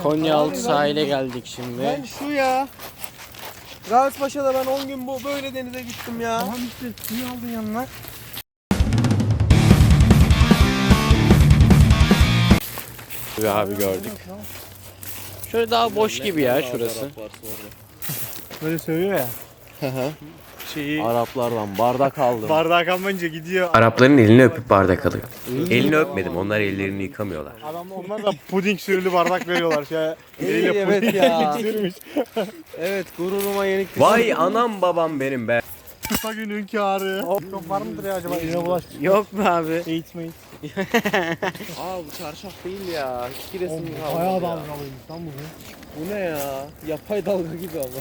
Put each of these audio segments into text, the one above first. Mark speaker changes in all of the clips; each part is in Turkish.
Speaker 1: Konyaaltı sahile geldik şimdi.
Speaker 2: Ben şu ya. Gazipaşa'da ben 10 gün böyle denize gittim ya. Tamam işte suyu aldın yanına.
Speaker 1: Ve abi gördük. Şöyle daha boş gibi ya şurası.
Speaker 2: Böyle söylüyor ya.
Speaker 1: Araplardan bardak aldım.
Speaker 2: Bardağı kalmayınca gidiyor.
Speaker 3: Arapların elini öpüp bardak alıyor. Elini öpmedim. Onlar ellerini yıkamıyorlar.
Speaker 2: Onlar da puding sürülü bardak veriyorlar. Eliyle
Speaker 1: Evet
Speaker 2: puding
Speaker 1: ya.
Speaker 2: sürmüş.
Speaker 1: Evet, gururuma yenik.
Speaker 3: Vay anam babam benim be.
Speaker 2: Kısa günün kârı. Çok var mıdır ya acaba? Eline bulaş.
Speaker 1: Yok mu abi?
Speaker 2: Eğitmeyin.
Speaker 1: Aa, bu çarşaf değil ya. Hiç giresim kalmadı
Speaker 2: Bayağı
Speaker 1: ya.
Speaker 2: dalgalıymış lan bugün.
Speaker 1: Bu ne ya? Yapay dalga gibi ama.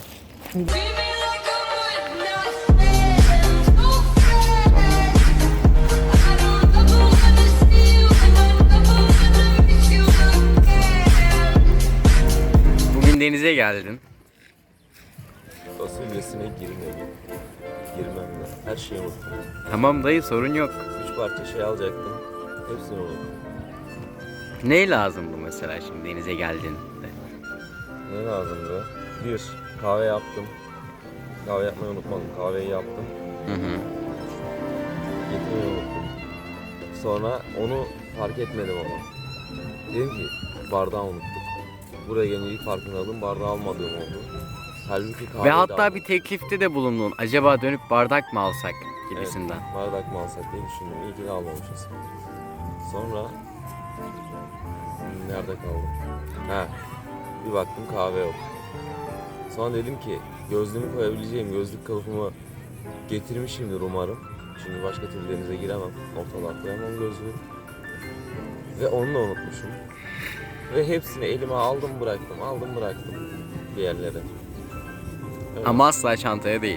Speaker 3: Bugün denize geldin.
Speaker 4: Fasulyesine girmedim. Girmem de. Her şeyi unuttum.
Speaker 3: Tamam dayı, sorun yok.
Speaker 4: 3 parça şey alacaktım. Hepsini unuttum.
Speaker 3: Ne lazımdı mesela şimdi denize geldin?
Speaker 4: Ne lazımdı? Bir, kahve yaptım. Kahve yapmayı unutmadım. Kahveyi yaptım.
Speaker 3: Hı hı.
Speaker 4: Getirmeyi unuttum. Sonra onu fark etmedim ama. Dedim ki bardağı unuttuk. Buraya gelince ilk farkını aldım. Bardağı almadığım oldu. Halbuki kahveyi
Speaker 3: Ve
Speaker 4: de
Speaker 3: hatta
Speaker 4: aldım.
Speaker 3: bir teklifte de bulundun. Acaba dönüp bardak mı alsak gibisinden.
Speaker 4: Evet, bardak mı alsak diye düşündüm. İyi ki de almamışız. Sonra nerede kaldım? He. Bir baktım kahve yok. Sonra dedim ki gözlüğümü koyabileceğim gözlük kılıfımı getirmişimdir umarım. Çünkü başka türlü denize giremem. Ortalığa koyamam gözlüğü. Ve onu da unutmuşum. Ve hepsini elime aldım bıraktım bir yerlere. Evet.
Speaker 3: Ama asla çantaya değil.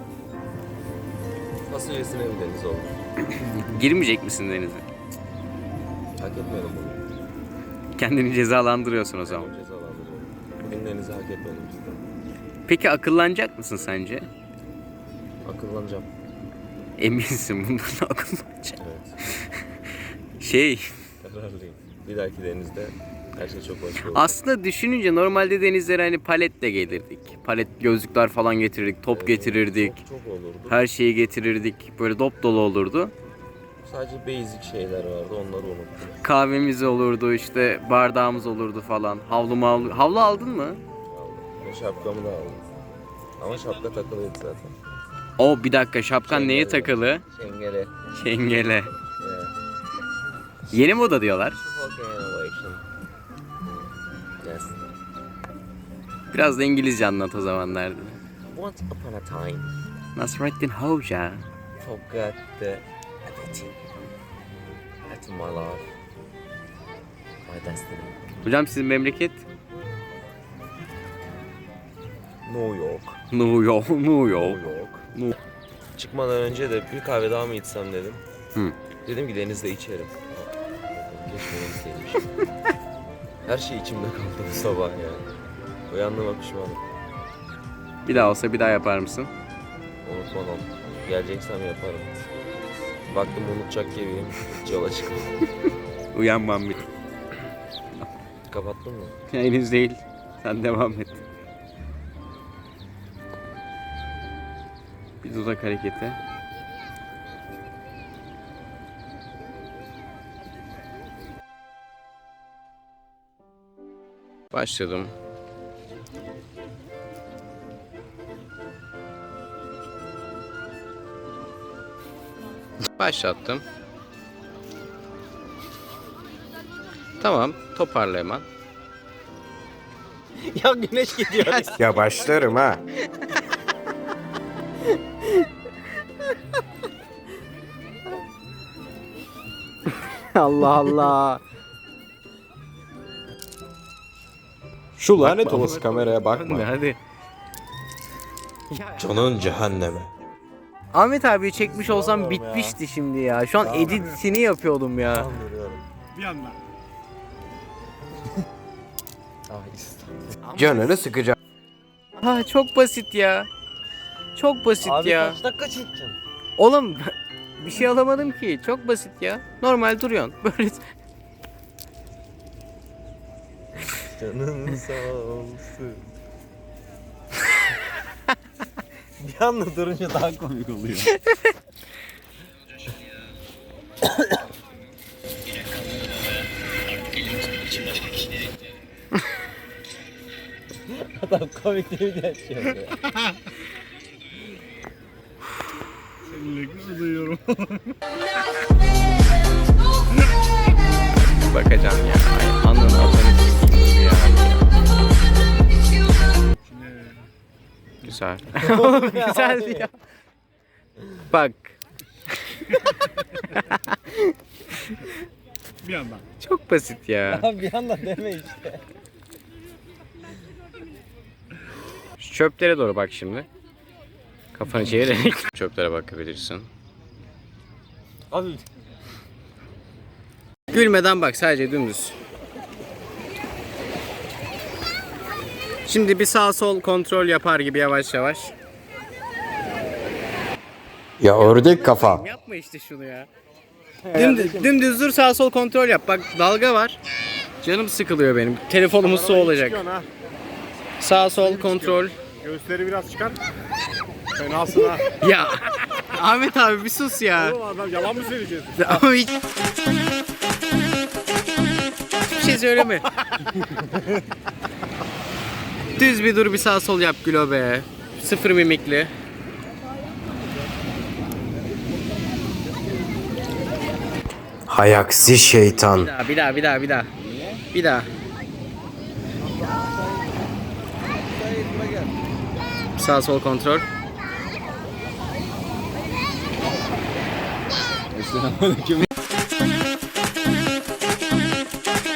Speaker 4: Fasulyesine bir deniz oldu.
Speaker 3: Girmeyecek misin denize?
Speaker 4: Hak etmedim bunu.
Speaker 3: Kendini cezalandırıyorsun o zaman.
Speaker 4: Kendimi cezalandırıyorum. Bugün denizi hak etmedim cidden.
Speaker 3: Peki akıllanacak mısın sence?
Speaker 4: Akıllanacağım.
Speaker 3: Eminsin bundan akıllanacak.
Speaker 4: Evet.
Speaker 3: Şey,
Speaker 4: Kararlıyım. Bir dahaki denizde her şey çok başka olacak.
Speaker 3: aslında düşününce normalde denizlere hani paletle gelirdik. Palet gözlükler falan getirirdik, top getirirdik.
Speaker 4: Çok olurdu.
Speaker 3: Her şeyi getirirdik. Böyle dop dolu olurdu.
Speaker 4: Sadece basic şeyler vardı, onları unuttum.
Speaker 3: Kahvemiz olurdu, işte bardağımız olurdu falan. Havlu aldın mı?
Speaker 4: Aldım. Ve şapkamı da aldım. Ama şapka takılıydı zaten.
Speaker 3: O bir dakika, şapkan neye
Speaker 4: Şengele.
Speaker 3: takılı?
Speaker 4: Şengele.
Speaker 3: Şengele.
Speaker 4: Yeah.
Speaker 3: Yeni moda diyorlar.
Speaker 4: Fucking innovation. Yes.
Speaker 3: Biraz da İngilizce anlat o zaman derdi.
Speaker 4: Once upon a time,
Speaker 3: Nasrettin Hoca.
Speaker 4: forgot the everything. That's my life. My destiny.
Speaker 3: Hocam sizin memleket?
Speaker 4: New York.
Speaker 3: New York. New York.
Speaker 4: New York. Çıkmadan önce de bir kahve daha mı içsem dedim.
Speaker 3: Hı.
Speaker 4: Dedim ki denizde içerim. Keşke denizde içmişim. Her şey içimde kaldı bu sabah ya. Uyandığıma pişmanım.
Speaker 3: Bir daha olsa bir daha yapar mısın?
Speaker 4: Unutmam. Geleceksem yaparım. Baktım unutacak gibiyim. Hiç yola çıkmadım.
Speaker 3: Uyanmam bir.
Speaker 4: Kapattın mı?
Speaker 3: Henüz değil. Sen devam et. Bir dudak hareketi. Başladım. Başlattım. Tamam, toparla hemen.
Speaker 1: Ya güneş gidiyor.
Speaker 5: Ya başlarım ha.
Speaker 1: Allah Allah.
Speaker 5: Şu lanet olası kameraya bakma.
Speaker 3: Hadi.
Speaker 5: Canın cehenneme.
Speaker 1: Ahmet abi çekmiş olsam bitmişti şimdi ya. Şu an editini yapıyordum ya.
Speaker 2: Bir anda.
Speaker 5: Canını sıkacak.
Speaker 1: Ha, çok basit ya. Çok basit
Speaker 2: Abi
Speaker 1: ya.
Speaker 2: kaç dakika çekeceksin?
Speaker 1: Oğlum bir şey alamadım ki. Çok basit ya. Normal duruyorsun. Böyle
Speaker 4: Canın sağ olsun.
Speaker 2: Bir anda durunca daha komik oluyor. Adam komik değil de şey yapıyor.
Speaker 3: Bakacağım ya. Ay, anın atanı sikeyim ya. Güzel. Güzeldi ya. Bak.
Speaker 5: Bir yandan.
Speaker 3: Çok basit ya.
Speaker 2: Abi bir anda deme işte.
Speaker 3: Şu çöplere doğru bak şimdi. Kafanı çevirerek çöplere bakabilirsin.
Speaker 2: Abi
Speaker 3: Gülmeden bak, sadece dümdüz. Şimdi bir sağ sol kontrol yapar gibi yavaş yavaş.
Speaker 5: Ya ördek kafa.
Speaker 3: Yapma işte şunu ya. Dümdüz dur, sağ sol kontrol yap. Bak dalga var. Canım sıkılıyor benim. Telefonumuz su olacak. Sağ sol kontrol.
Speaker 5: Göğüsleri biraz çıkar. Fenasın ha.
Speaker 3: Ya Ahmet abi bir sus ya.
Speaker 5: Adam yalan mı söyleyeceğiz?
Speaker 3: Ama hiç... Hiçbir şey söyleme. Düz bir dur, bir sağ sol yap Gülo be. Sıfır mimikli.
Speaker 5: Hay aksi şeytan.
Speaker 3: Bir daha. Bir daha. Sağ sol kontrol.
Speaker 2: Selamünaleyküm.